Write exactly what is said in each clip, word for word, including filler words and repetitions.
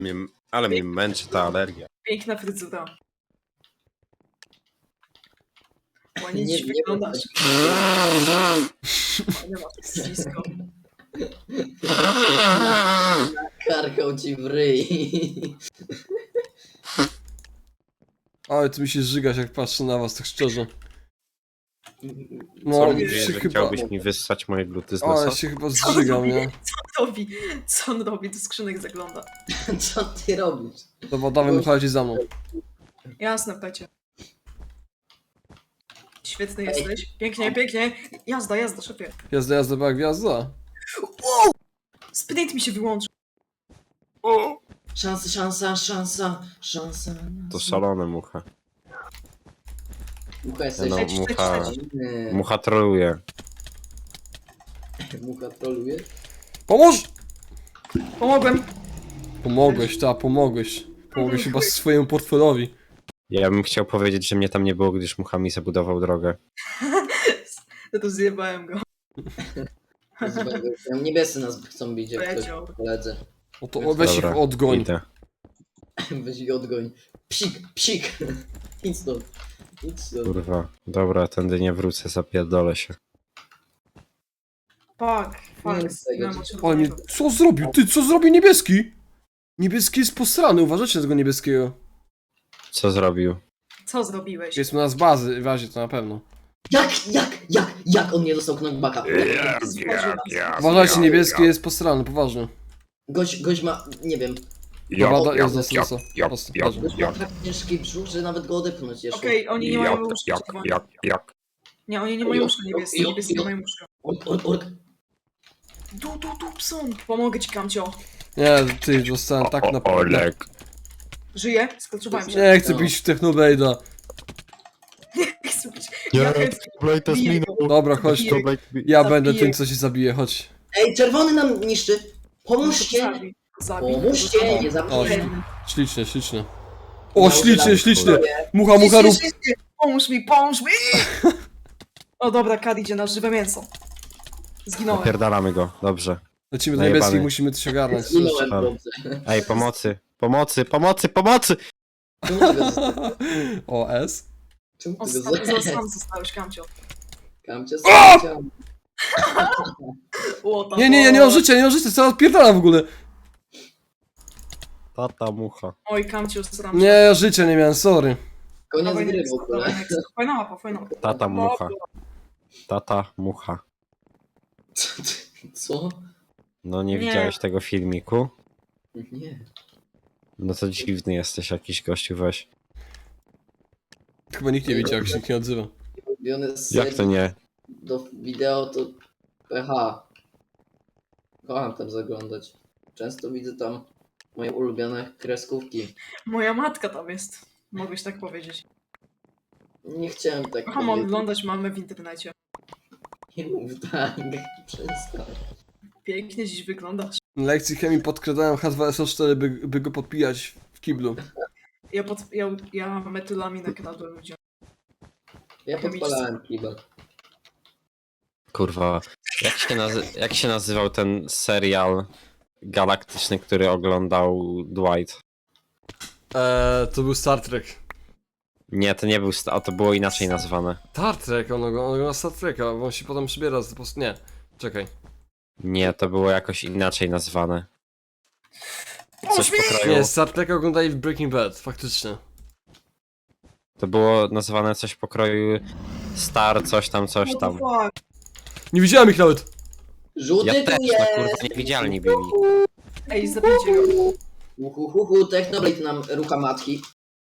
Mnie, ale mnie męczy ta alergia. Piękna fryzura. Ładnie Nie- dziś nie wyglądasz. Nie ma ścisko. Karkał ci w ryj. Ale ty mi się zżygasz, jak patrzę na was, tak szczerze. Co No, mówisz, się że chyba... chciałbyś mi wyssać moje gluty z O, ja nosa? się chyba Co on zżygam, robi? nie? Co on robi? Co on robi? Do skrzynek zagląda. Co ty robisz? Dobra, dawaj, wychodzi za mną. Jasne, pecie. Świetny jesteś. Pięknie, pięknie. Jazda, jazda, szefie. Jazda, jazda, była gwiazda. Sprint mi się wyłączył. Szansa, szansa, szansa, szansa. To szalone mucha. Mucha jesteś. No, Leć, leć, mucha, leć. Nie. mucha troluje. Mucha troluje. Pomóż! Pomogłem. Pomogłeś, ta, pomogłeś. Pomogłeś chyba swojemu portfelowi. Ja bym chciał powiedzieć, że mnie tam nie było, gdyż mucha mi zabudował drogę. Ja to zjebałem go. Tam niebiescy nas chcą bić, jak ktoś Powiedział. koledzy. No to weź ich Dobra, odgoń. idę. Weź ich odgoń. Psik, psik. Idź stąd. Idź stąd. Kurwa. Dobra, tędy nie wrócę, zapierdolę się. Fuck, Nie fuck. rób tego, Zginąłem od Ale nie, czerwonego. co zrobił? Ty, co zrobił niebieski? Niebieski jest posrany, uważajcie na tego niebieskiego. Co zrobił? Co zrobiłeś? Jest u nas bazy, w razie to na pewno. Jak, jak, jak, jak on nie dostał knockbacka? Uważajcie, niebieski jest posrany, poważnie. Gość, gość ma, nie wiem, Dobra, do, jest do jak, stosa. jak, Prosto, jak, leży. gość ma tak ciężki brzuch, że nawet go odepchnąć jeszcze. Okej, oni nie jak, mają łóżka jak, czerwone. jak, jak. Nie, oni nie mają łóżka niebieskie. Niebieskie nie mają łóżka. Ork, ork, ork. Du, du, du, pson. Pomogę ci, Kamcio. Nie, ty, dostałem tak O, na... Olek. Żyję? Sklaczowałem się. Nie chcę bić w Technobade'a. Chcę bić. Nie, Ja chętnie Blade to biję minął. Dobra, chodź Zabiję. tu. To Blade mi- Ja Zabiję. będę tym, co się zabije, chodź. Ej, czerwony nam niszczy. Pomóżcie. Zabij, zabij. Pomóżcie, nie O, zabijcie. ślicznie, ślicznie. O, ślicznie, ślicznie. Mucha, mucha, Mucha rób. Pomóż mi, pomóż mi! O dobra, Kad idzie na żywe mięso. Zginąłem. Napierdalamy go, dobrze. Lecimy do Najebany. niebieskich, musimy coś ogarnąć. Zginąłem, Tam. dobrze. Ej, pomocy, pomocy, pomocy, pomocy! Czemu ty go zostawiłeś? O, S. Czemu O, ty go sam, zostawiłeś? sam zostałeś, Kamcio. Kamcie, sam O, tam, Nie, nie, ja nie mam życia, nie mam życia, co odpierdala w ogóle. Tata mucha. Oj, Kamcio, sram Nie, ja życia nie miałem, sorry. Koniec gry w ogóle. Fajna mapa, fajna mapa. Tata mucha. Tata mucha. Co? ty- Co? No nie, Nie. widziałeś tego filmiku? Nie. No to dziwny jesteś jakiś gościu, weź. Chyba nikt nie wiedział, jak się nikt nie odzywa. Ulubione z Jak to serii nie? do wideo to P H. Kocham tam zaglądać. Często widzę tam moje ulubione kreskówki. Moja matka tam jest. Mogłeś tak powiedzieć. Nie chciałem tak Kocham powiedzieć. oglądać mamy w internecie. Nie mów tak. Przestań. Pięknie dziś wyglądasz. Na lekcji chemii podkradałem H dwa S O cztery, by, by go podpijać w kiblu. Ja, pod, ja, ja metylami nakradłem ludziom. Ja podpalałem kibel. Kurwa. Jak się, nazy- jak się nazywał ten serial galaktyczny, który oglądał Dwight? Eee, to był Star Trek. Nie, to nie był, sta- a to było inaczej nazwane. Star Trek, on ogląda Star Treka, bo on się potem przybiera z po prostu... Nie, czekaj. Nie, to było jakoś inaczej nazwane. Coś mi! pokroju. Nie, Star Treka oglądali w Breaking Bad, faktycznie. To było nazwane coś pokroju Star, coś tam, coś What the tam. fuck? Nie widziałem ich nawet! Żółty Ja tu też, no jest! kurwa, niewidzialni byli. Ej, zabijcie go. Uhuhuhu, Technoblade nam rucha matki.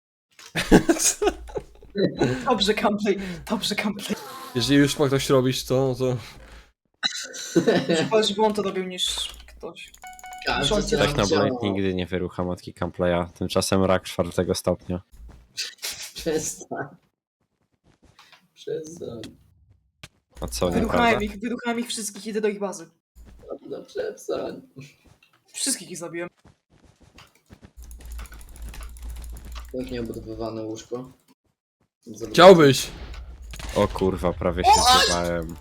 Dobrze, gameplay. Dobrze, gameplay. Jeżeli już ma ktoś robić to, to... Chyba, żeby on to robił niż ktoś. Każdy Rządzi co nam Technoblade chciało. nigdy nie wyrucha matki Camplaya. Tymczasem rak czwartego stopnia. Przestań. Przestań. A co, nieprawda? Wyruchałem ich, wyruchałem ich wszystkich, idę do ich bazy. No przestań. Wszystkich ich zabiłem. Pięknie obudowywane łóżko. Zobacz. Chciałbyś! O kurwa, prawie się zjebałem.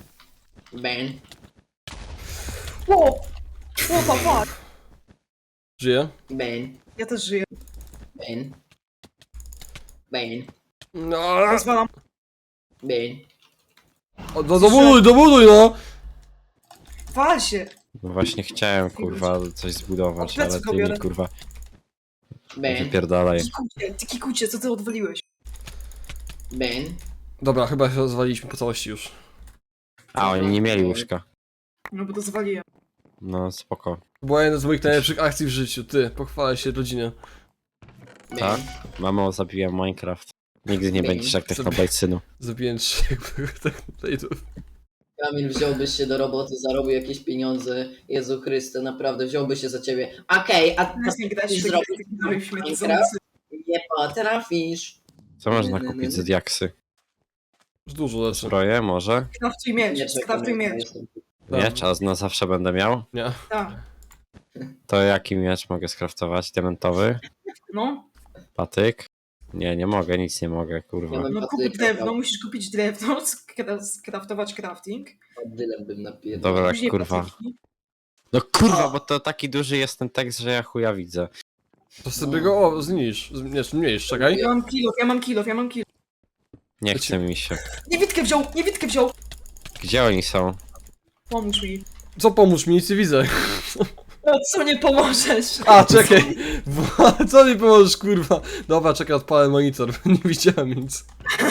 Ben. Wow! What the fuck? Żyje? Bane, Ja też żyję. Bane. Bane, No, Rozwalam. Bane. o, no dobuduj, dobuduj no! Wal się. No właśnie chciałem, kurwa, coś zbudować, Od pleców ale go ty biorę. mi, kurwa, Bane, wypierdalaj. Kikucie, ty kikucie, co ty odwaliłeś? Bane. Dobra, chyba się rozwaliliśmy po całości już. A, oni nie mieli łóżka. No bo to zwaliłem. No, spoko. To była jedna z moich najlepszych akcji w życiu, ty, pochwalę się rodzinie. Bane. Tak? Mamo, zabiłem Minecraft. Nigdy nie Bing. będziesz jak Sobie- Technoblade, synu. Zabiłem trzech technoplate'ów. Kamil, wziąłbyś się do roboty, zarobił jakieś pieniądze. Jezu Chryste, naprawdę, wziąłby się za ciebie. Okej, a Teraz nie grać ty w zrobisz takie nowe śmieci Minecraft? Nie potrafisz. Co można Nie, nie, kupić nie. za diaksy? Już dużo lepsze. Zbroję może? Kraftuj Nie miecz, czekam, kraftuj ja miecz. jestem. Miecz, a na zawsze będę miał? Nie. Tak, To jaki miecz mogę skraftować? Diamentowy? no. Patyk? Nie, nie mogę, nic nie mogę, kurwa. Ja bym No kup patyka drewno, dał. musisz kupić drewno, skra- skraftować crafting. Dylem bym napierdał. Dobra, Później kurwa. patyki. No kurwa, bo to taki duży jest ten tekst, że ja chuja widzę. To sobie go o, znisz. Z- Nie, zmniejsz, czekaj. Ja mam kilof, ja mam kilof, ja mam kilof. Nie Leci- chce mi się. Niewidkę wziął, niewidkę wziął! Gdzie oni są? Pomóż mi. Co pomóż mi, nic nie widzę. O, co nie pomożesz? A, czekaj. Wo- Co mi pomożesz, kurwa? Dobra, czekaj, odpalę monitor. Nie widziałem nic.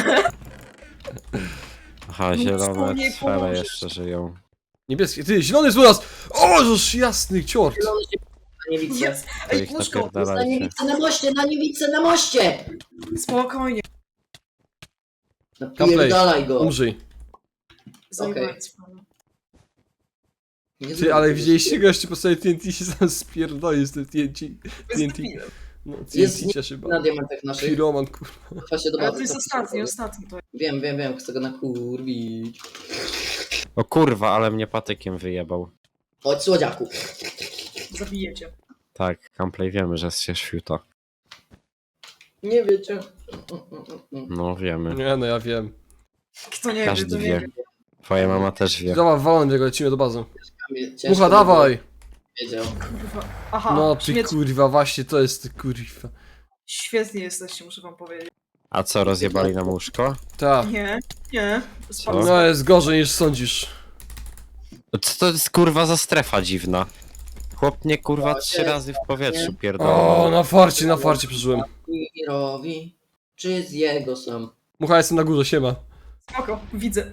Aha, No, zielone wspólnie cfele pomożesz. jeszcze żyją. Niebieskie, ty, zielony jest u nas! O, żeż jasny ciort! Zielony się na niewicy. Jest! To Ej, ich łóżko! Na napierdalajcie. niewicy na moście, na niewicy na moście! Spokojnie. Napierdalaj go. Umrzyj. Zajebałem sprawę. Nie Ty, zrobię ale tego. widzieliście gości po sobie T N T się sam spierdoli z tym T N T. T N T. No, Jest T N T cieszy Na bardzo. diamentach naszych. Piroman, kurwa. Chwa się do Ale bazy. to jest co ostatni, przyszło. ostatni to jest. Wiem, wiem, wiem, chcę go nakurwić. O kurwa, ale mnie patykiem wyjebał. Chodź, słodziaku. Zabiję cię. Tak, Camplay wiemy, że się świuta. Nie wiecie. No wiemy. Nie, no ja wiem. Kto nie wie, Każdy to nie wie. wie. Twoja mama też wie. Dobra, walą go, lecimy do bazy. Ciężko Mucha, by dawaj! było, Wiedział. Kurwa. Aha, No ty śmieć... kurwa, właśnie to jest ty kurwa. Świetnie jesteście, muszę wam powiedzieć. A co, rozjebali nam łóżko? Ta. Nie, nie. Co? No jest gorzej niż sądzisz. Co to jest kurwa za strefa dziwna? Chłop mnie kurwa O, trzy nie. razy w powietrzu O, pierdolą. na farcie, na farcie przeżyłem. Mirowi. Czy z jego są? Mucha, jestem na górze, siema. Spoko, widzę.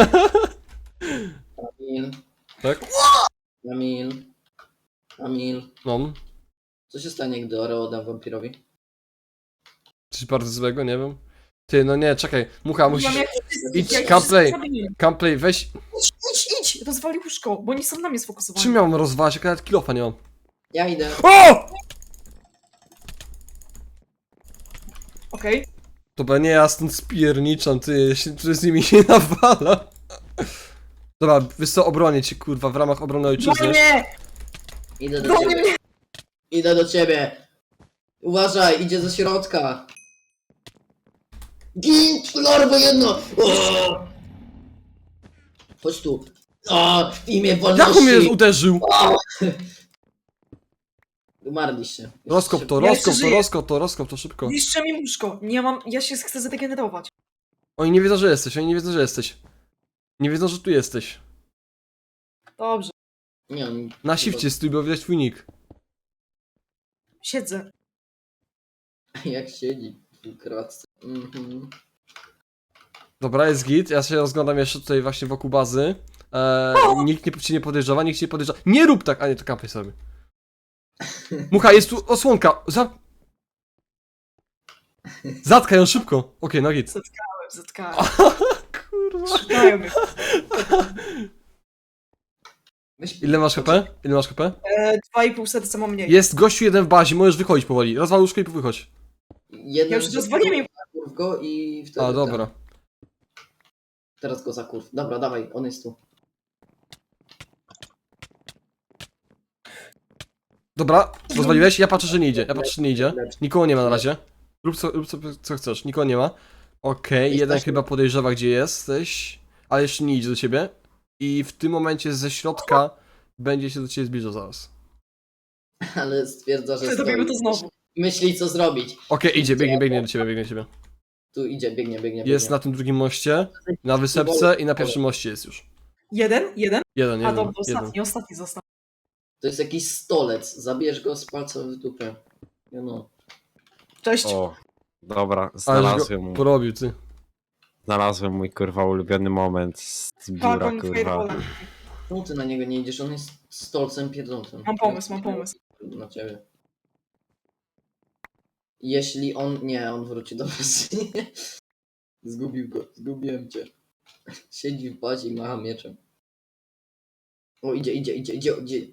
Kamil. Tak? Kamil. Kamil. No. Co się stanie, gdy Oreo oddam wampirowi? Coś bardzo złego, nie wiem. Ty, no nie, czekaj. Mucha, Mam musisz... jak... Idź, jak- Camplay. Zabiję. Camplay, weź... Idź, idź, idź! Rozwali łóżko, bo oni są na mnie sfokusowani. Czym miałem rozwalać, jak ja nawet kilofa nie mam? Ja idę. O! Okej. Dobra, nie, ja stąd spierniczam, ty, ja się tu z nimi nie nawala. Dobra, wiesz co, obronię cię, kurwa, w ramach obrony ojczyzny. Nie! Idę do Goni ciebie. mnie! Idę do ciebie. Uważaj, idzie ze środka. Gin, lorbo jedno. O! Chodź tu. O, w imię Jak wolności. on mnie uderzył? Umarliście. Rozkop to, Ja rozkop jeszcze to, żyję. rozkop to, rozkop to, szybko. Niszczę mi łóżko. Nie mam... Ja się chcę zregenerować. Oni nie wiedzą, że jesteś, oni nie wiedzą, że jesteś. Nie wiedzą, że tu jesteś. Dobrze. Nie, on... Na shifcie stój, bo widać twój nick. Siedzę. Jak siedzi w kratce. Mhm. Dobra, jest git, ja się rozglądam jeszcze tutaj właśnie wokół bazy. Eee, nikt nie, cię nie podejrzewa, nikt cię nie podejrzewa. Nie rób tak! A nie, to kampaj sobie. Mucha, jest tu osłonka! Za... Zatkaj ją szybko! Okej, no git. Zatkałem. Kurwa. Szukają mnie. Weź... Ile masz H P? Ile masz H P? E, Dwa i pół serca mam mniej. Jest gościu jeden w bazie, możesz wychodzić powoli. Rozwal łóżko i wychodź. Jeden Ja już rozwaliłem ją. Zakurw go i wtedy... A, dobra. Ten, teraz go zakurw. Dobra, dawaj, on jest tu. Dobra, rozwaliłeś? Ja patrzę, że nie idzie. Ja patrzę, że nie idzie. Nikogo nie ma na razie. Rób co, rób co, co chcesz, nikogo nie ma. Okej, jeden Jesteśmy. chyba podejrzewa, gdzie jesteś, ale jeszcze nie idzie do ciebie. I w tym momencie ze środka będzie się do ciebie zbliżał zaraz. ale stwierdza, że Zrobimy stoi. to znowu. Myśli, co zrobić. Okej, idzie, biegnie, biegnie do ciebie, biegnie do ciebie. Tu idzie, biegnie, biegnie, Jest biegnie. na tym drugim moście, na wysepce i na pierwszym moście jest już. Jeden? Jeden? Jeden, A jeden, dobra, jeden. ostatni, ostatni został. To jest jakiś stolec. Zabierz go z palca w dupę. You know. Cześć. O, dobra, Ale znalazłem, go mu- porobił, ty. znalazłem mój kurwa ulubiony moment z biura, Dragon kurwa. Fireballa. Czemu ty na niego nie idziesz? On jest stolcem pierdzącym. Mam pomysł, mam pomysł. Na ciebie. Jeśli on... Nie, on wróci do was. Zgubił go. Zgubiłem cię. Siedzi w bazie i macha mieczem. O, idzie, idzie, idzie, idzie, idzie.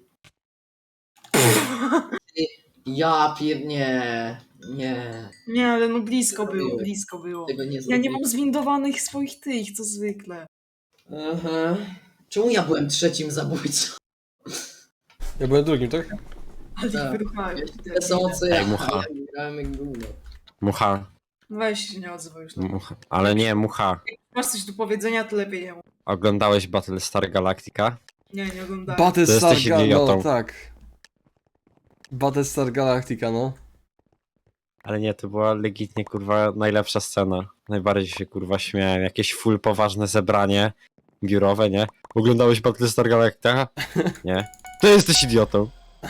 Ja pier... Nie. Nie. Nie, ale no blisko było, Zrobiłeś. blisko było. Tego nie Ja zrobiłem. nie mam zwindowanych swoich tych, co zwykle. Aha. Czemu ja byłem trzecim zabójcą? Ja byłem drugim, tak? Ale Tak. ich wyruchałem. Tyle samo co ja. Ej, mucha. Ja grałem jak gówno. Mucha, Weź się nie odzywaj już. mucha. Ale nie, mucha. Masz coś do powiedzenia, to lepiej nie mów. Oglądałeś Battlestar Galactica? Nie, nie oglądałem. Battlestar jesteś Galactica, no idiotą. tak. Battlestar Galactica, no. Ale nie, to była legitnie kurwa najlepsza scena. Najbardziej się kurwa śmiałem. Jakieś full poważne zebranie biurowe, nie? Oglądałeś Battlestar Galactica? Nie. To jesteś idiotą.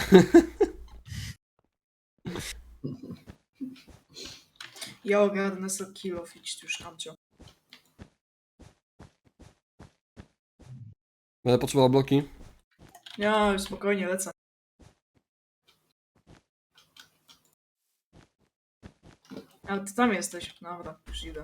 Ja ogarnę sobie kill off, idź już tam cię. Będę potrzebował bloki. Ja już spokojnie lecę. Ale ty tam jesteś. Dobra, już idę.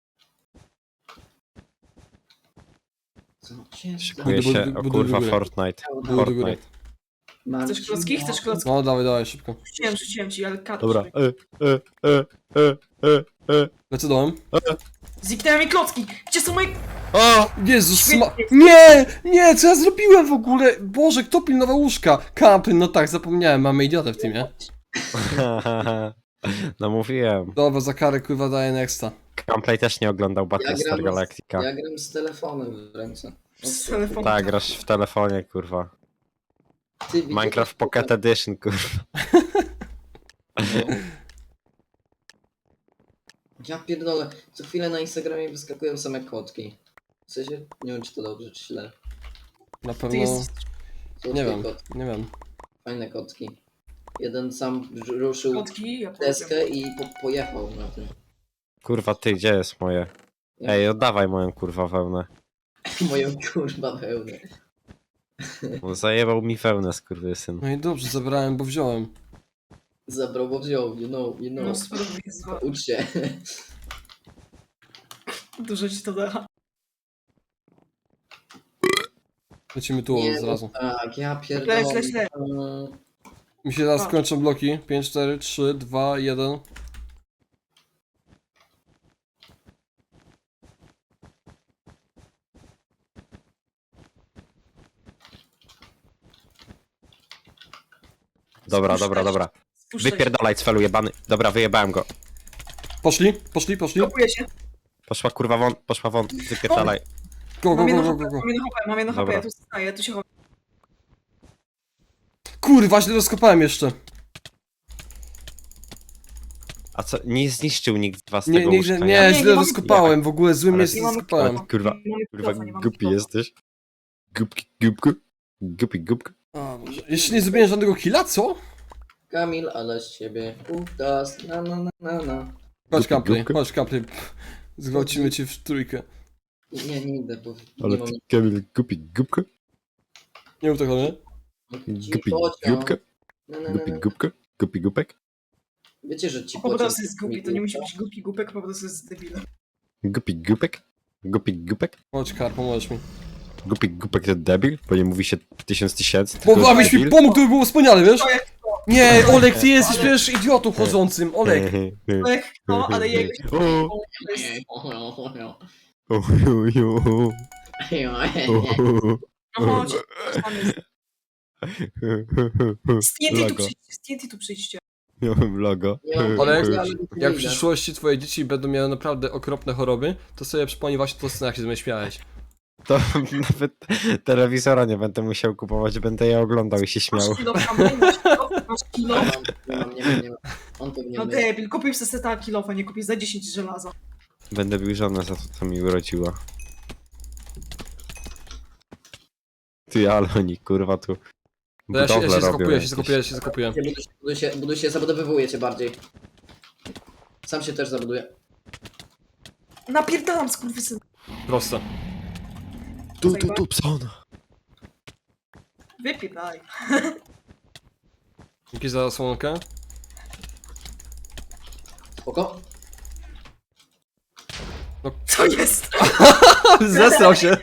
Co się Szykuje Buduj, się, buduj, o buduj kurwa, do góry. Fortnite. Buduj do góry. Fortnite. Chcesz klocki? Chcesz klocki? No, dawaj, dawaj, szybko. Rzuciłem, rzuciłem ci, ale kat. Dobra. E, e, e, e, e, e. Lecę dołem. Zniknęły mi klocki! Gdzie są moje... O! Jezus, Świetnie. sma... Nie! Nie, co ja zrobiłem w ogóle? Boże, kto pilnował łóżka? Kampy, no tak, zapomniałem, mamy idiotę w teamie. No mówiłem. Dobra, za karę kurwa daję nexta. Gameplay też nie oglądał Battlestar gram z- Galactica. Ja gram z telefonem w ręce. Z telefonu. Tak, grasz w telefonie, kurwa. Ty widzisz- Minecraft Pocket Edition, kurwa. No. Ja pierdolę, co chwilę na Instagramie wyskakują same kotki. W sensie, nie wiem czy to dobrze czy źle. Na Ty pewno... jesteś Słodkie Nie wiem, kotki, nie wiem. fajne kotki. Jeden sam r- ruszył klocki, ja powiem. deskę i po pojechał na tym. Kurwa, ty, gdzie jest moje? Ej, oddawaj moją kurwa wełnę. Moją kurwa wełnę. Bo zajebał mi wełnę, skurwysyn. No i dobrze, zabrałem, bo wziąłem. Zabrał, bo wziął, you know, you No, know. spróbuj zwa. Ucz się. Dużo ci to da. Lecimy tu Nie, od razu. tak, ja pierdolę. Leć, leć, leć. Mm, Mi się teraz A. kończą bloki. pięć, cztery, trzy, dwa, jeden. Dobra, Spuszczaj dobra, się. dobra. Spuszczaj się. Wypierdalaj, cfelu jebany. Dobra, wyjebałem go. Poszli, poszli, poszli. Blokuję się. Poszła kurwa won, poszła won. Wypierdalaj. Go, go, Mam go, jedno go, H P, go, go. mam jedno H P, mam jedno H P, Dobra. ja tu staję, tu się chowam. Kurwa, źle rozkopałem jeszcze. A co, nie zniszczył nikt z was Nie, tego nie, łóżka, nie, nie, nie, nie źle mamy- rozkopałem. W ogóle złym Ale- miejscu Nie mamy rozkopałem. kloca, Kurwa, nie mamy Kurwa, kloca, nie mamy głupi kloca. jesteś. Gupki, gupku. Gupi, gupku. O Boże. Jeszcze nie zrobiłem żadnego killa, co? Kamil, ale z ciebie udas, na na na na na. Chodź Gupi, kampy, gupkę. chodź kampy. Zgwałcimy cię w trójkę. Nie, nie idę, bo Ale nie mam ty, Kamil, gupi, gupka. Nie mów tak o mnie. Gupi, gupka. Na, na, na, Gupi, na. gupka. Gupi, gupek. Wiecie, że ci Po prostu pociąg jest głupi, to nie musi być głupi głupek, po prostu jest debilem. Gupi, gupek. Gupi, gupek. Chodź kar, pomożesz mi. Gupi, gupek to debil, bo nie mówi się tysiąc tysięcy. tylko Bo abyś mi debil. pomógł, to by było wspaniale, wiesz? To jak Nie, Olek, ty jesteś przecież idiotą chodzącym, Olek. to, jak to, ale jego O, to jest... o, o, o, No chodź, tam jest. Z T N T tu Logo. przyjdźcie, z T N T tu przyjdźcie. Miałem logo. Nie mam Olek, ale nie Jak w idę. przyszłości twoje dzieci będą miały naprawdę okropne choroby, to sobie przypomnij właśnie tą scenę, jak się z mnie śmiałeś. To nawet telewizora nie będę musiał kupować, będę je oglądał i się śmiał. Masz kilo kamery, masz kilo, masz kilo. Nie mam, nie mam, nie mam. On pewnie No my. debil, kupił sobie seta kilofa, nie kupisz za dziesięć żelaza. Będę bił żonę za to, co mi urodziła. Ty, ale oni, kurwa, tu To ja się, ja budowlę się robią zakopuję, ja się jakieś. zakopuję, ja się zakopuję. Buduj się, buduj się, buduj się, zabudowywuje cię bardziej. Sam się też zabuduje. Napierdalam, skurwysyn. Proste. Tu, tu, tu, pson. Wypierdaj. Dzięki za słonkę. Spoko? Co jest? Zesrał się.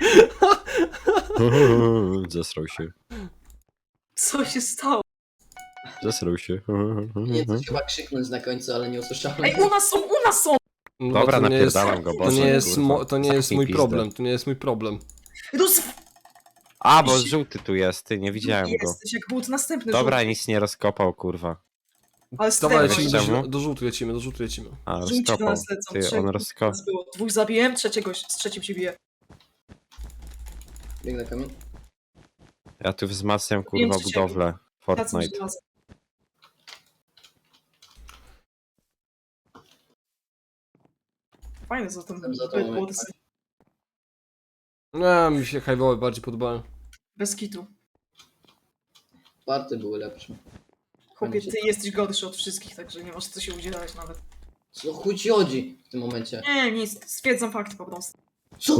Zesrał się. Co się stało? Zesrał się. Nie, coś chyba krzyknąć na końcu, ale nie usłyszałem. Ej, u nas są, u nas są! No, Dobra, to nie jest, napierdalam go, to boże, nie jest, kurwa. mo, to nie jest Zamknij mój pizdę. problem, to nie jest mój problem. Roz... A, bo żółty tu jest, ty, nie widziałem go. Jesteś, jak był to następny Dobra, żółty. nic nie rozkopał, kurwa. Ale Dawaj, strefa. lecimy Czemu? do, do żółtu lecimy, do żółtu lecimy. A, Żółci do rozkopał. nas lecą. Ty, trzech on nas rozkopał. było. Dwóch zabiłem, trzeciego, z trzecim się bije. Biegnę kamień. Ja tu wzmacniam, Wiem, kurwa, czy cię- budowlę. Tacy Fortnite. żelaza. Fajne za to. Jestem za Be- tobą, było jak to tak. Nie, mi się highwaye bardziej podobają. Bez kitu. Party były lepsze. Chłopie, ty jesteś gorszy od wszystkich, także nie masz co się udzielać nawet. Co chuj ci chodzi w tym momencie? Nie, nic, stwierdzam fakty po prostu. Co?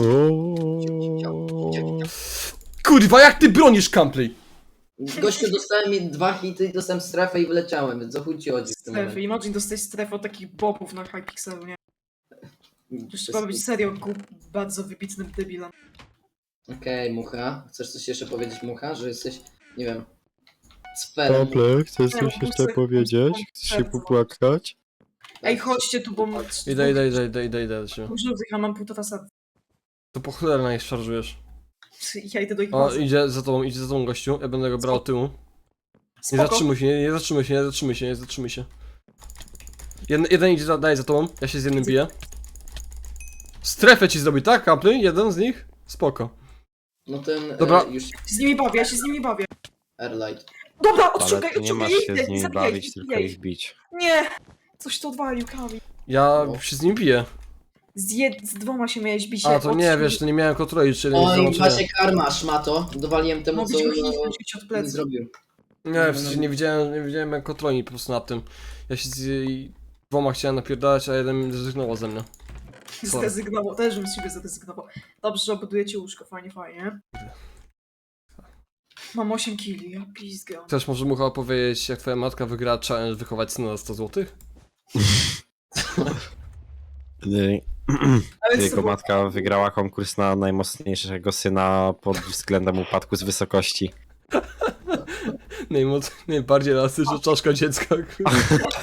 Kurwa, jak ty bronisz Campley? Gościu, dostałem mi dwa hity i dostałem strefę i wyleciałem, więc co chuj ci chodzi w tym Strefy. momencie? Imagine dostać strefę od takich bobów na Hypixelu, nie? Już Bez trzeba być kitu. serio głup, bardzo wybitnym debilem. Okej, Mucha. Chcesz coś jeszcze powiedzieć, Mucha? Że jesteś, nie wiem, sferem. Doble, chcesz Nie, coś no, jeszcze muszę- powiedzieć? muszę- Chcesz się popłakać? Ej, chodźcie tu, bo... Idę, idę, idę, idę, idę, idę. idę. Żółtych, ja mam półtora serca. To po cholerę na nich szarżujesz. Ja idę do ich O, bazy. idzie za tobą, idzie za tobą gościu. Ja będę go brał od tyłu. Nie Spoko. zatrzymuj się, nie, nie zatrzymuj się, nie zatrzymuj się, nie zatrzymuj się. Jeden, jeden idzie za, daje za tobą, ja się z jednym biję. Strefę ci zrobi, tak, Campley? Jeden z nich? Spoko. No ten, Dobra. E, już Się z nimi bawię, ja się z nimi bawię. Airlight. Dobra, Ale odciągaj, ty nie odciągaj, masz się jej, z nimi zabijaj, bawić, tylko zabijaj. ich bić. Nie! Coś to odwalił, Kawi. Ja No. się z nim biję. Z, jed... z dwoma się miałeś bić. A, jak to nie, odciąg- wiesz, to nie miałem kontroli, czy jeden jest Oj, załączony. właśnie karma, szmato. Dowaliłem temu, co Mogliś go hitnąć od nie plecy. zrobił. Nie, w sensie nie widziałem, nie widziałem jak kontroli po prostu nad tym. Ja się z jej dwoma chciałem napierdalać, a jeden zrezygnował ze mnie. Co? Zrezygnował, też bym z siebie zrezygnował. Dobrze, że obudujecie łóżko, fajnie, fajnie. Mam osiem kili, ja pizgam. Też może Mucha opowiedzieć, jak twoja matka wygrała challenge wychować syna za sto złotych? Nie, Ale co Jego było? matka wygrała konkurs na najmocniejszego syna pod względem upadku z wysokości. Najmoc... Najbardziej elastyczna czaszka dziecka. kurwa.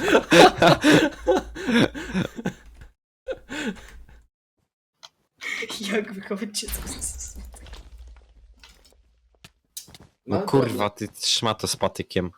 Jak wychować dziecko? No Ale kurwa, ty trzyma to z patykiem.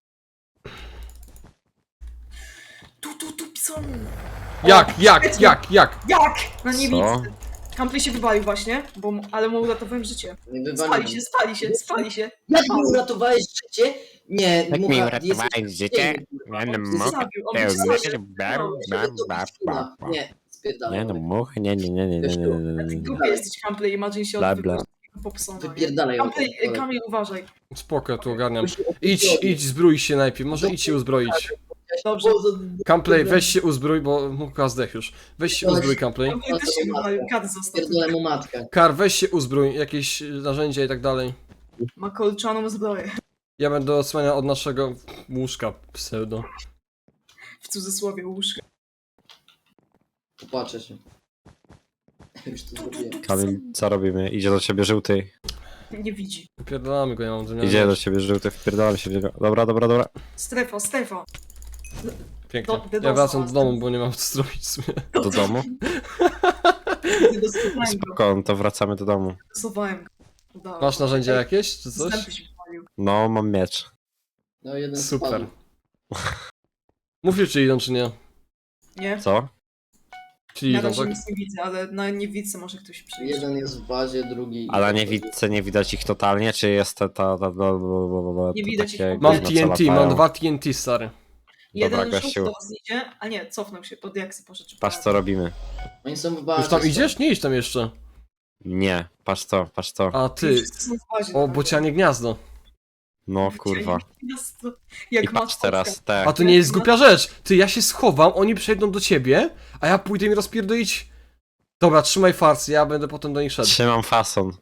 Tu, tu, tu, psom! Jak, jak, jak, jak? Jak? Na Co? niebiescy. Kampley się wywalił właśnie, bo, mu- ale mu uratowałem życie. Nie Spali wywaliłem. się, spali się, spali się. Jak mi uratowałeś życie? Nie, Jak mi Mucha, uratowałeś jesteś życie? kurwa. Ja nie On mogę. Zabił, on Nie, mnie nie, zabił. nie, Nie, Nie, spierdalaj. Nie no, much, nie, nie, nie, nie, nie, nie, nie, nie, nie. Głupie jesteś, Kampley, imagine się Bla, od bla. popsona. Wypierdalaj. Kampley, ode mnie. Kamil, uważaj. Spoko, tu ogarniam. Idź, idź, zbrój się najpierw, może idź się uzbroić. Dobrze. Campley, weź się uzbrój, bo Mucha zdech już. Weź się uzbrój, Campley. Kampley też się wywalił, kat został. Spierdolę mu matkę. Kar, weź się uzbrój, jakieś y, narzędzia i tak dalej. Ma kolczaną zbroję. Ja będę odsłaniał od naszego łóżka pseudo. W cudzysłowie łóżka. Popatrzę się. Już to zrobiłem. Kamil, co robimy? Idzie do ciebie żółty. Nie widzi. Pierdolamy go, ja mam zamiar. Idzie do ciebie żółty, wpierdalam się w niego. Dobra, dobra, dobra. Strefa, strefa. Pięknie. Do- do- Ja wracam do domu, bo nie mam co zrobić w sumie. Do domu? Dostosowałem go. Spoko, to wracamy do domu. Dostosowałem go. Udało. Masz narzędzia jakieś, czy coś? Zęby się wywalił. No, mam miecz. No jeden Super. spadł. Mówcie, czy idą, czy nie. Nie? Co? Czyli Na idą, razie tak? nic nie widzę, ale na niewidce może ktoś przyjść. Jeden jest w bazie, drugi... A na niewidce nie widać ich totalnie, czy jest ta... ta, ta, ta, ta, ta Nie widać ich takie w ogóle. Mam gówno, co T N T, latają? mam dwa T N T, stary. Jeden Dobra, żółty gościu. do was idzie, a nie, cofnął się, pod jaksy poszedł. czy Patrz po- co robimy. Oni są w bazie. Już tam są. idziesz? Nie idź tam jeszcze. Nie, patrz to, patrz to. A Oni ty, wszyscy są w bazie, o tak. bocianie gniazdo. No kurwa. Miasto, I Jak patrz maskotka. teraz, te. A to nie jest głupia rzecz. Ty, ja się schowam, oni przejdą do ciebie, a ja pójdę mi rozpierdolić. Dobra, trzymaj farcy, ja będę potem do nich szedł. Trzymam fason.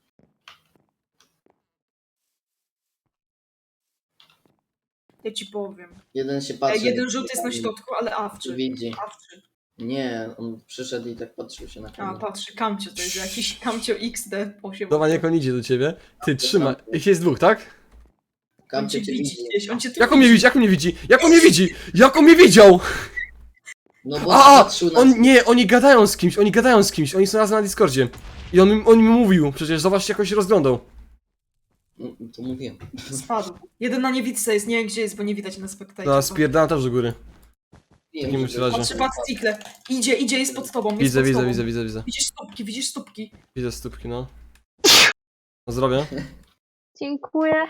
Ja ci powiem. Jeden się E, patrzy. jeden żółty jest na środku, ale awczy. Widzi. Awczy. Nie, on przyszedł i tak patrzył się na A, kamerę. patrzy, kamcio, to jest jakiś kamcio X D osiem. Dobra, niech on idzie do ciebie. Ty, trzymaj. Ich jest dwóch, tak? On Kamcie cię cię widzi widzi. gdzieś, on cię tu Jak on mnie widzi, jak on mnie widzi? Jak on mnie widzi? Jak on mnie widział? No bo A, patrzył na... on, nie, oni gadają z kimś, oni gadają z kimś, oni są razem na Discordzie. I on, mi- on mi mówił, przecież zobacz, jak on się rozglądał. No, to mówiłem. spadł. Jeden na niewidce jest, nie wiem gdzie jest, bo nie widać na spektacie. Dobra, spierdalam też do góry. Wiem, takim żeby- razie. Patrzy, patrz, Tikle. Idzie, idzie, jest pod tobą, jest Widzę, pod widzę, tobą. widzę, widzę, widzę. Widzisz stópki, widzisz stópki. Widzę stópki, no. No zdrowie. Dziękuję.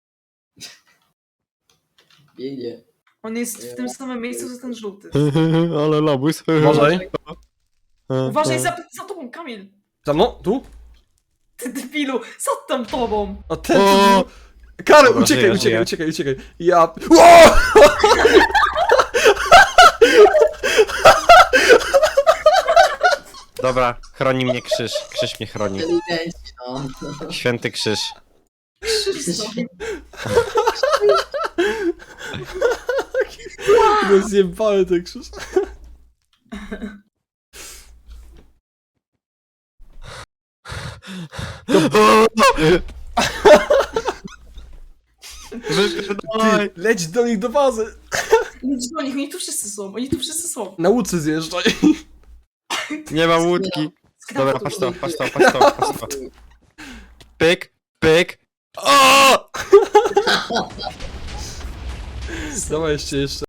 Biegnie. On jest w tym samym miejscu, co ten żółty. Ale lobus. Uważaj. Uważaj za, za tobą, Kamil. Tam, no, tu. Ty debilu, za tam tobą. A ten O! tu... Karol, Dobra, uciekaj, żyję, uciekaj, żyję. uciekaj, uciekaj. Ja... O! Dobra, chroni mnie krzyż. Krzyż mnie chroni. Inteligenci, no. Święty krzyż. Krzysztof. No zjebałem ten krzyż. Ty, leć do nich do bazy. Idź do nich, oni tu wszyscy są, oni tu wszyscy są. Na łódce zjeżdżaj. Nie ma łódki. Dobra, Skraptu. patrz to, patrz to, patrz to, patrz to. Pyk, pyk. O! Dawaj jeszcze, jeszcze.